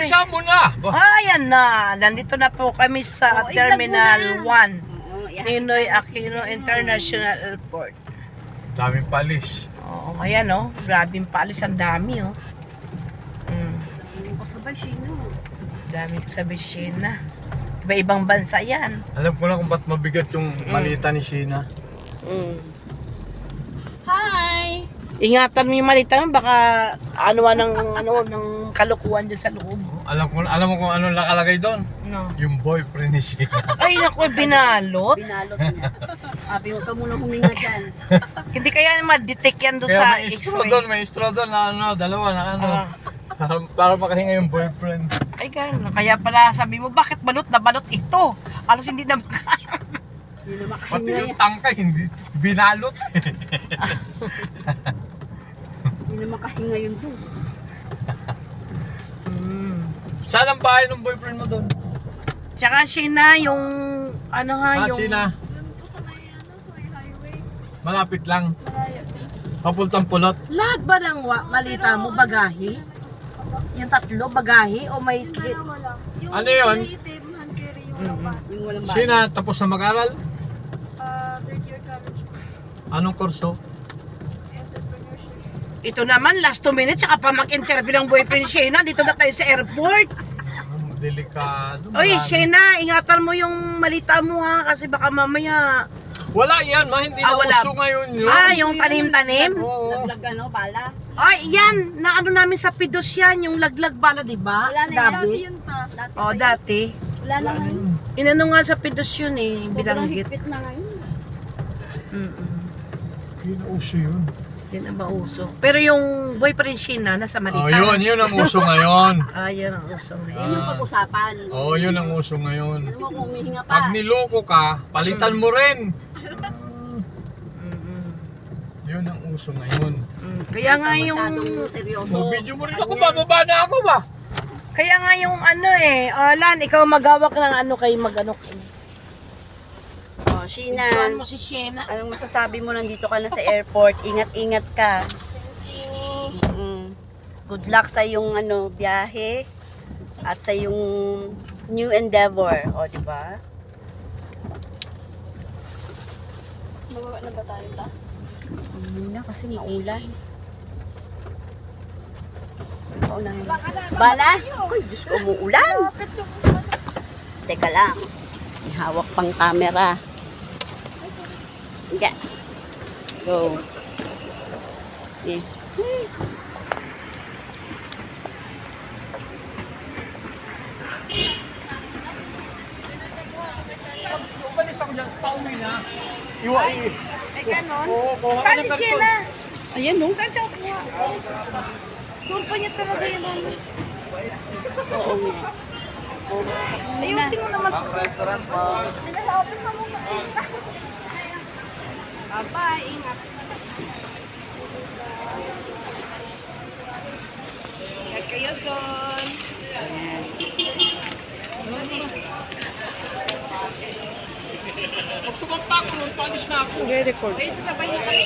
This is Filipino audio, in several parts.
Bilisan mo na. Ayan na. Nandito na po kami sa Terminal 1. Ninoy Aquino International Airport. Daming palis. Oo, ayan oh. Grabing palis. Ang dami oh. Kasabay Shino. Dami kasabay Sheena. Iba-ibang bansa yan. Alam ko na kung ba't mabigat yung malita ni Sheena. Hi! Ingatan mo yung malita mo. Baka ng kalukuhan dyan sa loob. Alam mo kung ano nakalagay doon? No. Yung boyfriend ni Sheena. Ay, naku, binalot. Binalot niya. Sabi ko ka muna huminga dyan. Hindi kaya ma-detect yan doon Kaya sa may straw X-ray. doon, may straw doon na dalawa na para makahinga yung boyfriend. Ay, kaya pala sabi mo, bakit balot na balot ito? Alos hindi na makaya. Hindi na Pati makahinga yung yan. tangkay, hindi binalot. Hindi na makahinga yun doon. Saan ang bahay ng boyfriend mo doon? Tsaka Sheena, yung yung... Sheena, Doon po sa may highway. malapit lang. Malayo. Papuntang pulot. Lahat ba ng malita mo, bagahe? Yung tatlo, bagahe? O may... Dalawa lang. Yung Ano yun? itim, hand carry yung laban. Yung walang bahay. Sheena, tapos na mag-aral? Third year college po. Anong kurso? Entrepreneurship. Ito naman, last 2 minutes, tsaka pa mag-interview ng boyfriend Sheena. Dito na tayo sa airport. Delikado. Oy, marami. Sheena, ingatan mo yung malita mo ha, kasi baka mamaya... Wala yan, hindi na wala. uso ngayon yun. Yung tanim-tanim? Oo. Laglag bala. Ay, yan! Na ano namin sa Pidos yan, yung laglag bala, di ba? Wala na yun. Dati. Yun pa. Dati Oh, pa yun. dati. Wala na ngayon. Inano nga sa Pidos yun eh, Sobrang bilanggit. higpit na ngayon. Yun na uso yun. Hindi na ba uso? Pero yung boyfriend Sheena, nasa Malita. Oh, yun ang uso ngayon. Ah, yun ang uso ngayon. Yun yung pag-usapan. Oh, yun ang uso ngayon. Ano mo kung humihinga pa? Pag niloko ka, palitan mo rin. Yun ang uso ngayon. Kaya nga yung... Masyadong seryoso. So, video mo rin ako, bababa na ako ba? Kaya nga yung Lan, ikaw magawak ng kay mag-ano. Oh, Sheena. Tuan mo si Sheena. Anong masasabi mo nandito ka na sa airport? Ingat-ingat ka. Good luck sa iyong biyahe at sa iyong new endeavor, o di ba? Mababa na ba tayo ta? Muna kasi maulan. Paunahin. Bala? Uy, Diyos ko, umuulan. Teka lang. May hawak pang camera. Hindi. Go. Yeah. Umalis ako dyan, pauwi na. Ay, ganon? Oo, kuha ka Saan ng si karton. Sheena? Ayan, no? Saan siya kuha? Doon pa niya talaga yun. Oo nga. Ayusin mo naman. Bye, ingat. Ingat kayo doon. Pag sumagpa ako nun, panis na ako. I-record. Ay, sasabay niya kami.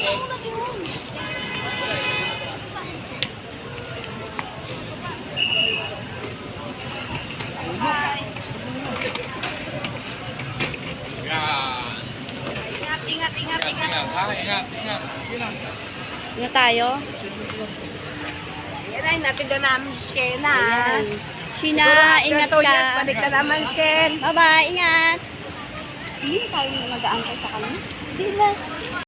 Yan. Ingat. Ingat, ha? Ingat. Ingat. Nga tayo? Yan ay, natin na namin si Sheena. Ayan. Sheena, ingat ka. Balik na naman, Shen. Bye-bye, ingat. Hindi tayo mag-aantay sa kanya. Hindi na.